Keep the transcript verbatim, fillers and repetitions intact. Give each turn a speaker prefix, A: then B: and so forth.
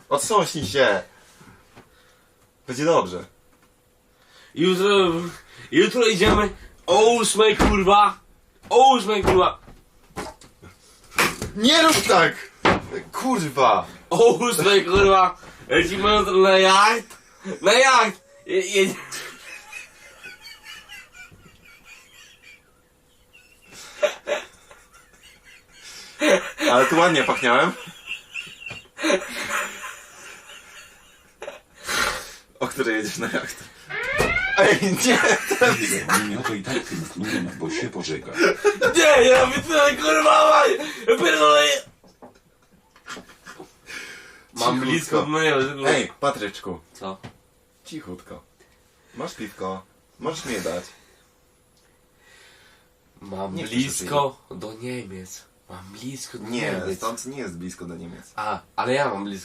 A: Otrząśnij się! Będzie dobrze.
B: Jutro... Jutro idziemy o ósmej, kurwa! O ósmej, kurwa!
A: Nie rób tak! Kurwa!
B: O ósmej, kurwa! Lecimy jutro na jacht! Na jacht! Je, je...
A: Ale tu ładnie pachniałem. O której jedziesz na jacht? Ej, nie!
C: Nie, to i tak tęskniłem, bo się pożega.
B: Nie, nie robię tyle, kurwa! maj! Ja pierdolę! Mam
A: Cichutko.
B: blisko do niego.
A: Ej, Patryczku.
B: Co?
A: Cichutko. Masz piwko. Możesz mi je dać.
B: Mam
A: Nie chcesz
B: blisko do Niemiec. Mam blisko do
A: Nie,
B: Niemiec.
A: stąd nie jest blisko do Niemiec.
B: A, ale ja mam blisko.